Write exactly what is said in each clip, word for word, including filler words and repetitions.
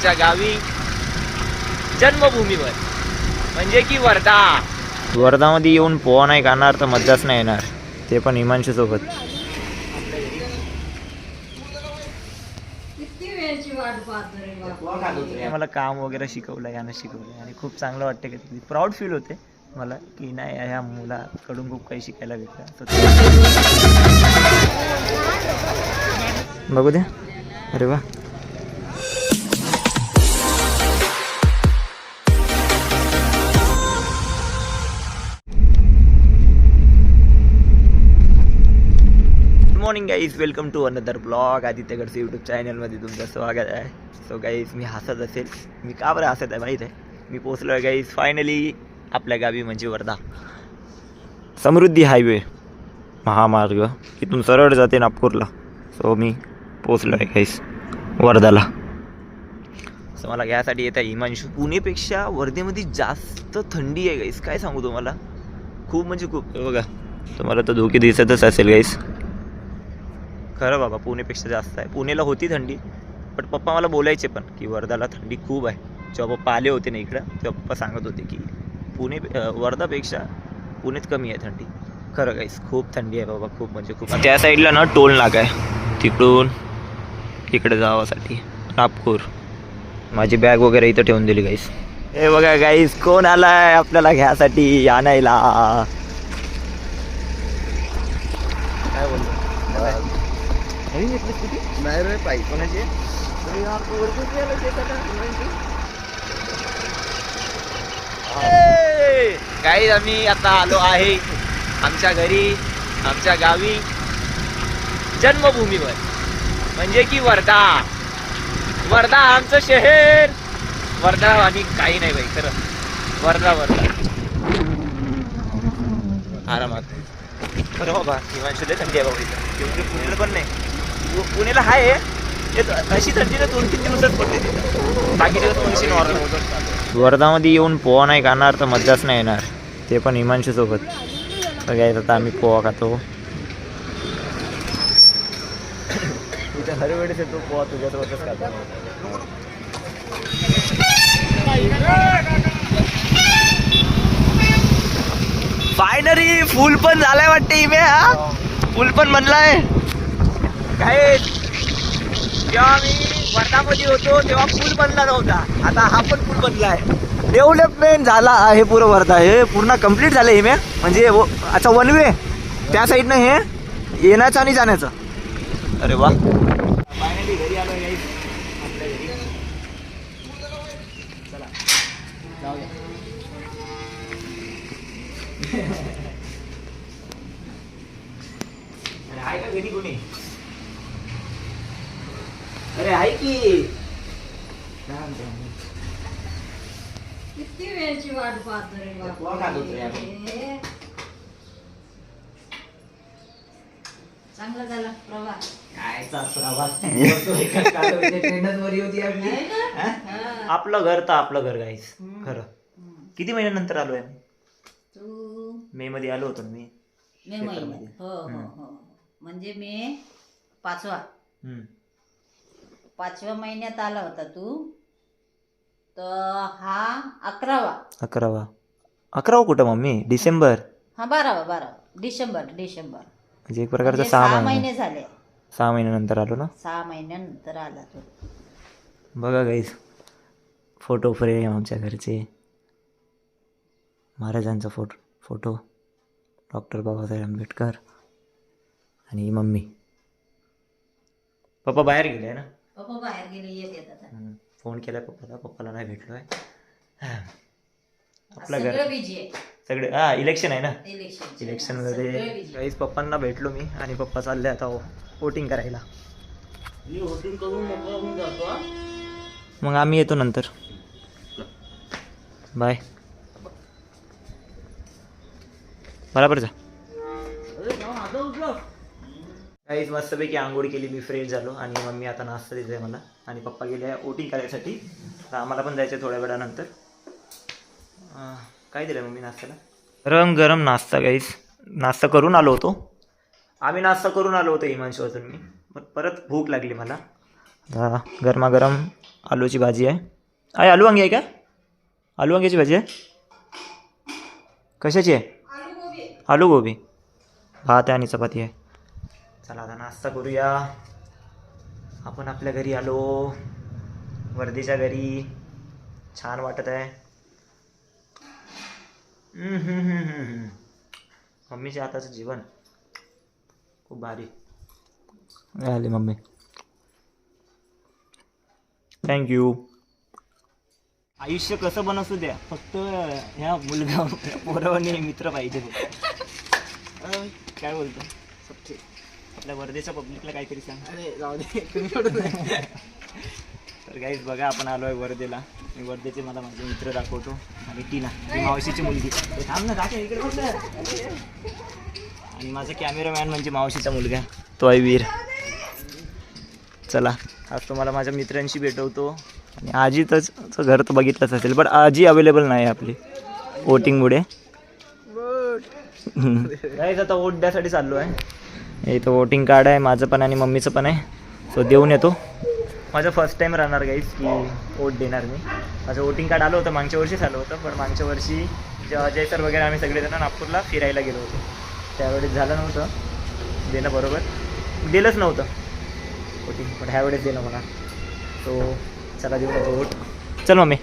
आमच्या गावी जन्मभूमीवर म्हणजे की वर्धा. वर्धामध्ये येऊन पोहा नाही खाणार तर मज्जाच नाही येणार, ते पण हिमांशू सोबत. मला काम वगैरे शिकवलं, यानं शिकवलं आणि खूप चांगलं वाटतं. की प्राऊड फील होते मला की नाही ह्या मुलाकडून खूप काही शिकायला भेटलं. बघू द्या. अरे वा. Morning guys, welcome to another vlog. Aditya Gadse YouTube चॅनलमध्ये तुमचं स्वागत आहे. सो गाईज, मी हसत असेल, मी का बरं हसत आहे माहीत आहे. मी पोचलो आहे गाईज फायनली आपल्या गावी म्हणजे वर्धा. समृद्धी हायवे महामार्ग इथून सरळ जाते नागपूरला. सो मी पोचलो आहे गाईज वर्धाला. सो मला घ्यायसाठी येत आहे हिमांशू. पुणेपेक्षा वर्धेमध्ये जास्त थंडी आहे गाईज, काय सांगू तुम्हाला. खूप म्हणजे खूप. बघा तुम्हाला तर धोके दिसतच असेल गाईज. खरं बाबा, पुणेपेक्षा जास्त आहे. पुणेला होती थंडी, पण पप्पा मला बोलायचे पण की वर्धाला थंडी खूप आहे. जेव्हा पप्पा आले होते ना इकडं, तेव्हा पप्पा सांगत होते की पुणे वर्धापेक्षा पुणेत कमी आहे थंडी. खरं गाईस, खूप थंडी आहे बाबा, खूप म्हणजे खूप. त्या साईडला ना टोल नाका आहे, तिकडून इकडे जावासाठी नागपूर. माझी बॅग वगैरे इथं ठेवून दिली गाईस. हे बघा गाईस, कोण आला आहे आपल्याला घ्यासाठी आणायला. काय बोलतो नाही रे पाई कोणाची. काही आम्ही आता आलो आहे आमच्या घरी, आमच्या गावी जन्मभूमीवर म्हणजे की वर्धा. वर्धा आमचं शहर. वर्धा आणि काही नाही बाई, खरं वर्धा वर्धा आरामात. खरं बाबा, हिमांशू लय थंडी आहे बाबा इथं. एवढी पुण्याला पण नाही. पुण्याला आहे अशी थंडी ना दोन तीन दिवसात पडते तिथं, बाकी दिवस थोडीशी नॉर्मल. वर्धामध्ये येऊन पोहा नाही खाणार तर मज्जाच नाही येणार, ते पण हिमांशू सोबत. बघायचं आता आम्ही पोहा खातो. तुझ्या हर वेळेस येतो पोहा तुझ्यासोबतच खातो. फायनली फुल पण झालाय वाटते इमे. हा फुल पण बनलाय. काय जेव्हा मी वर्धामध्ये होतो तेव्हा पूल बनला नव्हता, आता हा पण पूल बनलाय. डेव्हलपमेंट झाला आहे पुरं वर्धा. हे पूर्ण कम्प्लीट झालं. हे मी म्हणजे अच्छा वन वे त्या साईडनं हे येण्याचं आणि जाण्याचं. अरे वा, फायनली घरी आलो गाईस, आपल्या घरी. चला जाऊया. अरे आहे का घरी कोणी. अरे आहे की. किती वेळची वाट पाहतो रे बाबा. चांगला झाला प्रवास. कायचा प्रवास. ट्रेनच होती आपली. आपलं घर तर आपलं घर गाईस. खरं किती महिन्यानंतर आलोय आम्ही. तू मे मध्ये आलो होतो मी. मे महिन्यात. हो हो हो, म्हणजे मे पाचवा पाचव्या महिन्यात आला होता तू. तर हा अकरावा. अकरावा अकरावा कुठं मम्मी. डिसेंबर. हा बारावा बारावा डिसेंबर डिसेंबर म्हणजे एक प्रकारचं म्हणजे सहा सहा महिने महिने झाले. सहा महिन्यानंतर आलो ना. सहा महिन्यानंतर आला तू. बघा गाईस, फोटो फ्रेम आमच्या घरचे, महाराजांचा photo photo doctor Babasaheb Ambedkar आणि मम्मी. पप्पा बाहेर गेले आहे ना. पप्पा बाहेर गेले, येत येत आता. फोन केला पप्पाला, पप्पाला नाही भेटलो आहे. आपलं सगळं घर बिझी आहे. सगळे. हा इलेक्शन आहे ना. इलेक्शन इलेक्शनमध्ये गाईस पप्पांना भेटलो मी आणि पप्पा चालले आता वोटिंग करायला. मग आम्ही येतो नंतर. बाय. बरोबर जा. काहीच मस्तपैकी आंघोळ केली, मी फ्रेश झालो आणि मम्मी आता नाश्ता देते मला आणि पप्पा गेले वोटिंग करायसाठी. तर आम्हाला पण जायचं थोड्या वेळानंतर. काय दिलं मम्मी नाश्त्याला. गरम गरम नाश्ता गाईस. नाश्ता करून आलो होतो आम्ही नाश्ता करून आलो होतो हिमांशू अजून मी. मग परत भूक लागली मला. गरमागरम आलूची भाजी आहे. आहे आलू वांगी आहे का? आलू वांग्याची भाजी आहे. कशाची आहे? आलू गोबी. भात आहे आणि चपाती आहे. चला आता नाश्ता करूया. आपण आपल्या घरी आलो, वर्धेच्या घरी. छान वाटत आहे. हम्म, हम्म, हम्म, हम्म, हम्म. मम्मीच्या हाताचं जेवण खूप भारी. आले मम्मी, थँक्यू. आयुष्य कसं पण असू द्या, फक्त ह्या मुलगा पोरावाने मित्र पाहिजे. अं, काय बोलतो सच्चे आपल्या वर्धेच्या पब्लिकला काहीतरी सांग. अरे जाऊ दे. तर गाईज बघा, आपण आलो आहे वर्धेला. मी वर्धेचे मला माझे मित्र दाखवतो. आणि टीना ती मावशीची मुलगी. ते थांब ना, दाखव इकडे बघ ना. आणि माझा कॅमेरामॅन म्हणजे मावशीचा मुलगा, तो आहे वीर. चला आज तुम्हाला माझ्या मित्रांशी भेटवतो. आणि आजी तर घर तर बघितलंच असेल, पण आजी अवेलेबल नाही आपली वोटिंगमुळे. गाईज आता वोट द्यासाठी चाललो आहे. इथं वोटिंग कार्ड आहे, माझं पण आणि मम्मीचं पण आहे. सो देऊन येतो. माझं फर्स्ट टाईम राहणार गाईज की वोट देणार मी. माझं वोटिंग कार्ड आलं होतं, मागच्या वर्षीच आलं होतं. पण मागच्या वर्षी जेव्हा अजय सर वगैरे आम्ही सगळेजण नागपूरला फिरायला गेलो होतो, त्यावेळेस झालं नव्हतं देणं, बरोबर दिलंच नव्हतं वोटिंग. पण ह्यावेळेस दिलं मला. सो चला देऊ नका वोट. चल मम्मी,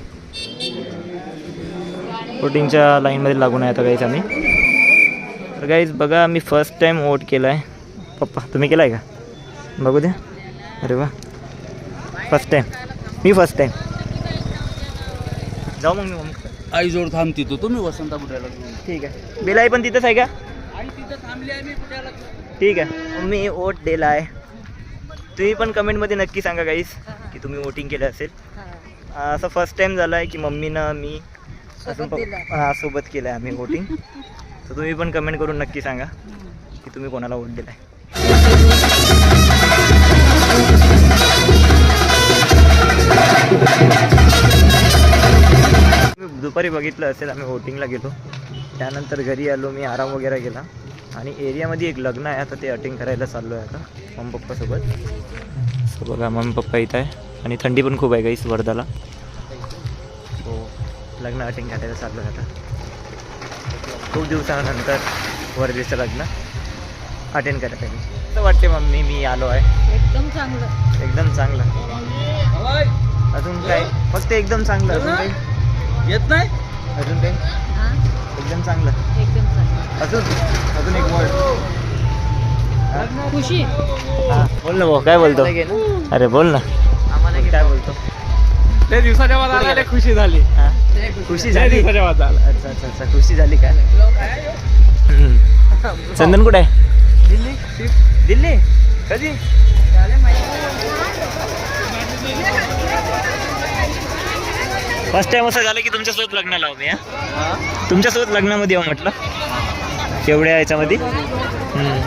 वोटिंगच्या लाईनमध्ये लागून आहे आता गाईज आम्ही. तर गाईज बघा, मी फर्स्ट टाईम वोट केला आहे. पप्पा तुम्ही केला आहे का? बघू द्या. अरे वा, फर्स्ट टाईम. मी फर्स्ट टाईम. जाऊ मग मी मम्मी आई जोड थांबती तो तुम्ही वसंता बुड्याला. ठीक आहे. बेलाई पण तिथंच आहे का? आई तिथं थांबली आहे मी बुड्याला. ठीक आहे. मी वोट दिला आहे. तुम्ही पण कमेंटमध्ये नक्की सांगा गाईस की तुम्ही वोटिंग केलं असेल. असं फर्स्ट टाईम झालं आहे की मम्मीनं मी असून हां सोबत केलं आहे आम्ही वोटिंग. तर तुम्ही पण कमेंट करून नक्की सांगा की तुम्ही कोणाला वोट दिला आहे. दुपारी बघितलं असेल आम्ही वोटिंगला गेलो, त्यानंतर घरी आलो, मी आराम वगैरे केला. आणि एरियामध्ये एक लग्न आहे, आता ते अटेंड करायला चाललो आहे आता मम्मी पप्पासोबत. सो बघा मम्मी पप्पा इथं आहे आणि थंडी पण खूप आहे गाईस वर्धाला. हो, लग्न अटेंड करायला चाललो आहे आता. खूप दिवसानंतर वर्धेचं लग्न अटेंड करत आहे. असं वाटते मम्मी मी आलो आहे. एकदम चांगलं. एकदम चांगलं. अजून काय? फक्त एकदम चांगलं. अजून काही येत नाही. अजून काही हां, एकदम चांगलं. एकदम चांगलं. अजून अजून एक वर्ड. खुशी. हां बोल ना भाऊ, काय बोलतो? अरे बोल ना, काय बोलतो? त्या दिवसाच्या बाद आला खुशी झाली. हां खुशी झाली. दिवसाच्या बाद आला. अच्छा अच्छा अच्छा खुशी झाली का? हम्म. चंदन कुठे आहे? दिल्ली. दिल्ली कधी? फर्स्ट टाइम असं झालं की तुमच्यासोबत लग्न लावू मी. हां तुमच्यासोबत लग्नामध्ये येऊ म्हटलं. केवढ्या याच्यामध्ये हम्म.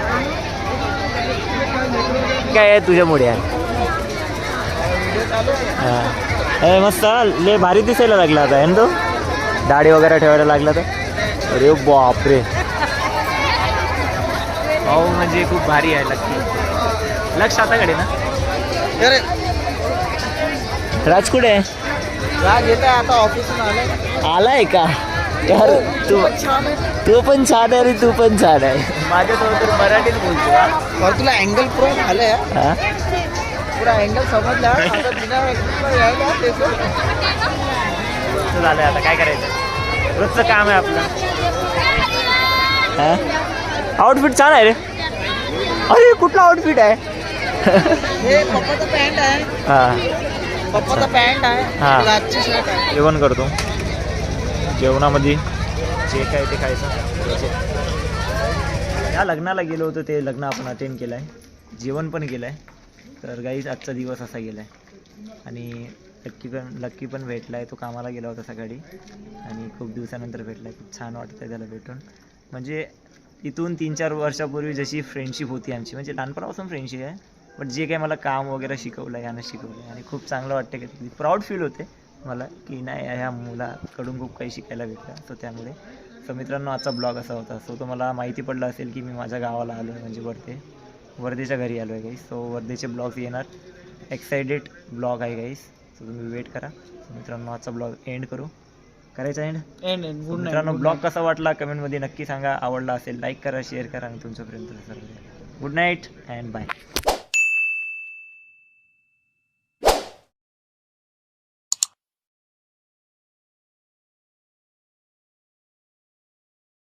काय आहे तुझ्यामुळे आहे. हां ए मस्त ले भारी दिसायला लागला आता आहे ना तो. दाढी वगैरे ठेवायला लागला तर. अरे बापरे, भाऊ म्हणजे खूप भारी आहे. लक्की लक्ष आताकडे ना. राज कुठे आहे? राग येत आहे आता, ऑफिसून आलाय. आलाय का? यार तू तू पण छान आहे रे, तू पण छान आहे. माझ्यासोबत तर मराठीत बोलतो. और तुला अँगल प्रो आलंय. हां पुरा अँगल समजला. आता बिना यायला तेच झालं आता काय करायचं, रोजचं काम आहे आपलं. हां आउटफिट छान आहे रे. अरे कुठला आउटफिट आहे? हे पप्पाचा पॅन्ट आहे. हां पप्पाचा पॅन्ट आहे. हां. रातची शर्ट आहे. जेवण करतो. जेवणामध्ये जे काय ते खायचं. या लग्नाला गेलो होतो, ते लग्न आपण अटेंड केलं आहे, जेवण पण केलं आहे. तर गाईच आजचा दिवस असा गेला आहे. आणि लक्की पण लक्की पण भेटला आहे. तो कामाला गेला होता सकाळी आणि खूप दिवसानंतर भेटला आहे. खूप छान वाटतं आहे त्याला भेटून. म्हणजे इथून तीन चार वर्षापूर्वी जशी फ्रेंडशिप होती आमची, म्हणजे लहानपणापासून फ्रेंडशिप आहे, बट जे काही मला काम वगैरे शिकवलं आहे, यानं शिकवलं आहे. आणि खूप चांगलं वाटतं की प्राऊड फील होते मला की नाही ह्या मुलाकडून खूप काही शिकायला भेटलं. सो त्यामुळे सो मित्रांनो आजचा ब्लॉग असा होता. सो तुम्हाला माहिती पडलं असेल की मी माझ्या गावाला आलो आहे, म्हणजे वर्धे वर्धेच्या घरी आलो आहे गाईस. सो वर्धेचे ब्लॉग्स येणार. एक्सायटेड ब्लॉग आहे गाईस. सो तुम्ही वेट करा. मित्रांनो आजचा ब्लॉग एंड करू. करायचा एंड. एंड एंड गुड मित्रांनो नाईट. ब्लॉग कसा वाटला कमेंटमध्ये नक्की सांगा. आवडला असेल लाईक करा, शेअर करा आणि तुमच्यापर्यंत सर्व. Good night and bye.